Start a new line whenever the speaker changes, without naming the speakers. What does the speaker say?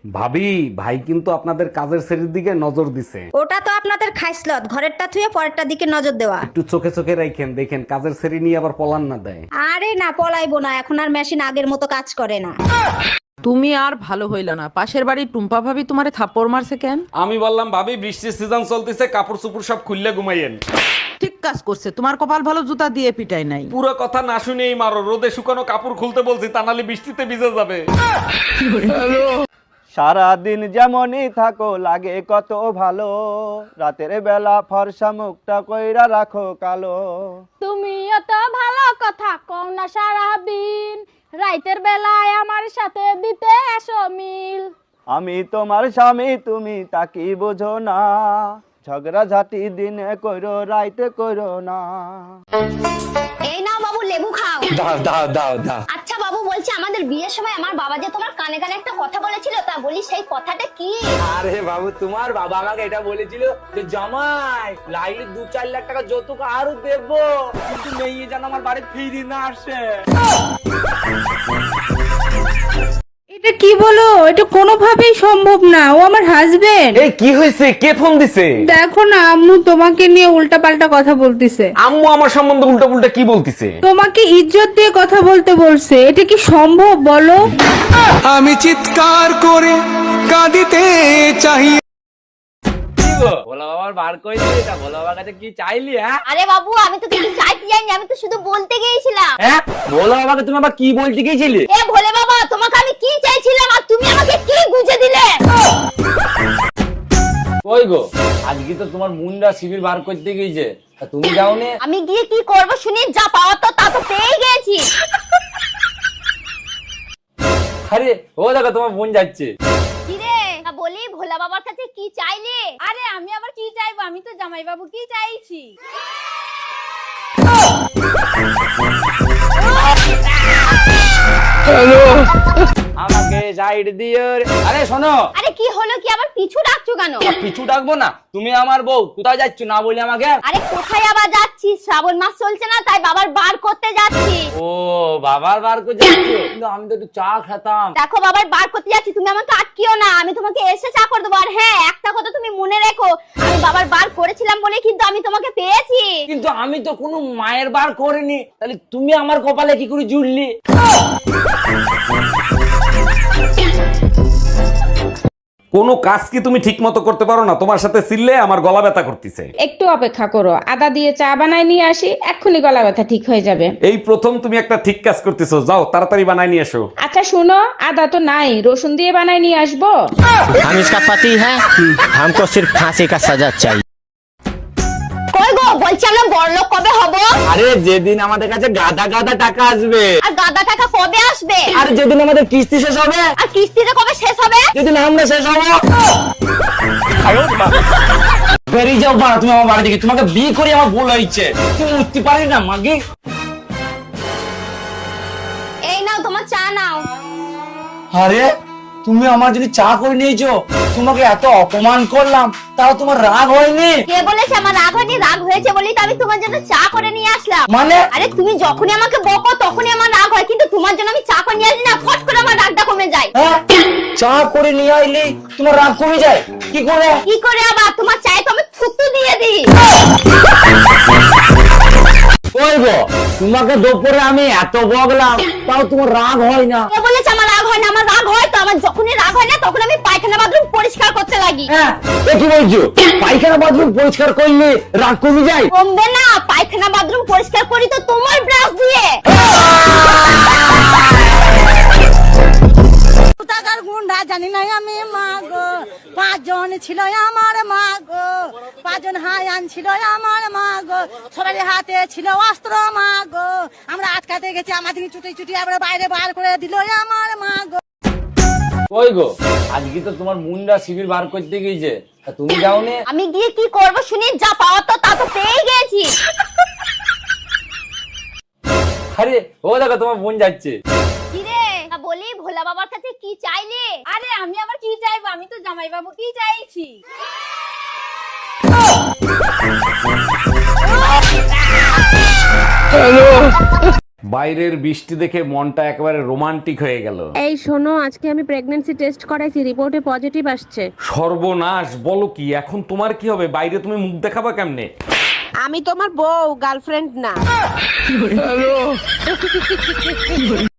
ভাবি, ভাই কিন্তু আপনাদের কাজের শ্রেণীর দিকে নজর দিছে।
ওটা তো আপনাদের খাইসলত, ঘরেরটা থুয়ে পরেরটা দিকে নজর দেওয়া।
একটু চোখে চোখে রাখেন, দেখেন কাজের শ্রেণী নিয়ে আবার পলান না দেয়।
আরে না, পলাইবো না, এখন আর মেশিন আগের মতো কাজ করে না।
তুমি আর ভালো হইলা না। পাশের বাড়ির টুম্পা ভাবি তোমারে থাপ্পড় মারছে কেন?
আমি বললাম ভাবি বৃষ্টির সিজন চলতেছে, কাপড় চোপড় সব খুললে ঘুমাইয়েন।
ঠিক কাজ করছে, তোমার কপাল ভালো জুতা দিয়ে পিটাই নাই।
পুরো কথা না শুনেই মারো, রোদে শুকানো কাপড় খুলতে বলছি, তা নাহলে বৃষ্টিতে ভিজে যাবে।
সারাদিন যেমনই থাকো লাগে কত ভালো, রাতের বেলা ফর্সা মুখটা কইরা রাখো কালো।
তুমি এত ভালো কথা কও না সারাদিন, রাইতের বেলায় আমার সাথে দিতে এসো মিল।
আমি তোমার স্বামী, তুমি তা কি বোঝো না, ঝগড়া ঝাঁটি দিনে কইরো রাইতে কইরো না।
এই নাও বাবু লেবু খাও।
দাও দাও দাও দাও।
আচ্ছা বাবু, বলছি আমাদের বিয়ের সময় আমার বাবা যে তোমার কানে কানে একটা কথা বলেছিল, তা বলি সেই কথাটা কি?
আরে বাবু, তোমার বাবা আমাকে এটা বলেছিল যে জামাই লাইলে 2-4 লাখ টাকা যৌতুক আরো দেবো, কিন্তু মেয়ে যেন আমার বাড়ি ফিরে না আসে।
এটা কি বলো? এটা কোনোভাবেই সম্ভব না, ও আমার হাজবেন্ড।
এই কি হয়েছে? কে ফোন দিছে?
দেখো না, আম্মু তোমাকে নিয়ে উল্টাপাল্টা কথা বলতিছে।
আম্মু আমার সম্বন্ধে উল্টা পুল্টা কি বলতিছে?
তোমাকে ইজ্জত দিয়ে কথা বলতে বলছে। এটা কি সম্ভব বলো?
আমি চিৎকার করে কাঁদিতে চাই।
ভোলা বাবার বার করে দিলি, তা ভোলা বাবার কাছে কি চাইলি? হ্যাঁ
আরে বাবু, আমি তো কিছু চাইতে যাইনি, আমি তো শুধু বলতে গিয়েছিলাম।
হ্যাঁ, ভোলা বাবাকে তুমি আবার কি বলতে গিয়েছিলে?
এ ভোলে বাবা, তোমাকে আমি কি চাইছিলাম আর তুমি আমাকে কি বুঝে দিলে?
ওই গো, আজকে তো তোমার মুন্ডা শিবির বার করতে গিয়েছে, তা তুমি যাওনি?
আমি গিয়ে কি করব শুনি, যা পাওয়া তো তা তো পেয়ে গেছি।
আরে ও দেখো তোমার বোন যাচ্ছে।
কি রে, তা বলি ভোলা বাবার কাছে কি চাইলে?
আরে আমি আবার কি চাইবো, আমি তো জামাই বাবু কি চাইছি।
আমাকে সাইড দিও রে। আরে শোনো,
আরে কি হলো, কি আবার পিছু ডাকছো কেন?
পিছু ডাকবো না, তুমি আমার বউ, কোথায় যাচ্ছ না বলি আমাকে?
আরে কোথায় আবার যাচ্ছি, শ্রাবণ মাস চলছে না, তাই বাবার বার করতে যাচ্ছি।
ও বাবার বার করে যাচ্ছ, কিন্তু আমি তো একটু চা খেতাম।
দেখো বাবার বার করতে যাচ্ছি, তুমি আমাকে আটকিও না, আমি তোমাকে এসে চা করে দেবো। আর হ্যাঁ, একটা কথা তুমি মনে রেখো, আমি বাবার বার করেছিলাম বলে কিন্তু আমি তোমাকে পেয়েছি।
কিন্তু আমি তো কোনো মায়ের বার করিনি, তাহলে তুমি আমার কপালে কি করে জুড়লি?
কোনো কাজ কি তুমি ঠিক মতো করতে পারো না? তোমার সাথে চিল্লে আমার গলা ব্যথা করতেছে।
একটু অপেক্ষা করো, আদা দিয়ে চা বানাই নিয়ে আসি, এক্ষুনি গলা ব্যথা ঠিক হয়ে যাবে।
এই প্রথম তুমি একটা ঠিক কাজ করতেছো, যাও তাড়াতাড়ি বানাই নিয়ে এসো।
আচ্ছা শুনো, আদা তো নাই, রসুন দিয়ে বানাই নিয়ে আসবো।
हम इसका पति है, हमको सिर्फ फांसी का सजा चाहिए।
কই গো, বলছি আমরা বড়লোক কবে হব?
আরে যেদিন আমাদের কাছে গাদা গাদা টাকা আসবে।
আর গাদা টাকা কবে আসবে?
আর যেদিন আমাদের কিস্তি শেষ হবে।
আর কিস্তিটা কবে শেষ হবে?
যেদিন আমরা শেষ হবো। বেরিয়ে যাও বাড়া তুমি আমার বাড়ি থেকে, তোমাকে বিয়ে করে আমার ভুল হয়েছে, তুমি উঠতে পারি না মাগি।
এই নাও তোমার চা নাও।
আরে তুমি আমার জন্য চা করে নিয়েছো, তোমাকে এত অপমান করলাম, তাও তোমার রাগ হয়নি?
কে বলেছে আমার রাগ হয়নি? রাগ হয়েছে বলেই তো আমি তোমার জন্য চা করে নিয়ে আসলাম।
মানে?
আরে তুমি যখনই আমাকে বকো তখনই আমার রাগ হয়, কিন্তু তোমার জন্য আমি চা করে নিয়ে আসি না, ফট করে আমার রাগটা কমে যায়।
হ্যাঁ, চা করে নিয়ে আইলে তোমার রাগ কমে যায়? কি করে?
কি করে আবার? তোমার চায়ে তো আমি থুতু দিয়ে দিই।
ওই গো, তোমাকে দুপুরে আমি এত বকলাম, তাও তোমার রাগ হয় না?
কে বলেছে আমার রাগ হয় না? আমার রাগ হয় তো, আমার যখনই রাগ হয় না তখন আমি পায়খানা বাথরুম পরিষ্কার করতে লাগি।
হ্যাঁ, এ কি বলছো? পায়খানা বাথরুম পরিষ্কার করলে রাগ কমে যায়?
কমবে না, পায়খানা বাথরুম পরিষ্কার করি তো তোমার ব্রাশ দিয়ে।
টাকার গুন্ডা জানি না আমি, মা গো 5 জন ছিল আমার মা গো, 5 জন হায়ান ছিল আমার মা গো, সবার হাতে ছিল অস্ত্র মা গো, আমরা আটকাতে গেছি, আমাদের চুটি চুটি আবার বাইরে বার করে দিল আমার মা গো।
ওই গো, আজকে তো তোমার মুন্ডা শিবির বার করতে গিয়েছে, তা তুমি যাওনি?
আমি গিয়ে কি করব শুনি, যা পাওয়া তো তা তো পেয়ে গেছি।
আরে ও দেখো তোমার বোন যাচ্ছে।
কি রে, তা বলি ভোলা বাবার কাছে কি চাইলে?
আরে আমি আবার কি চাইবো, আমি তো জামাই বাবু কি চাইছি।
হ্যালো।
বাইরের বৃষ্টি দেখে মনটা একেবারে রোমান্টিক হয়ে গেল।
এই শোনো, আজকে আমি প্রেগন্যান্সি টেস্ট করাইছি, রিপোর্টে পজিটিভ আসছে।
সর্বনাশ, বলো কি? এখন তোমার কি হবে? বাইরে তুমি মুখ দেখাবা কেমনে?
আমি তোমার বউ, গার্লফ্রেন্ড না।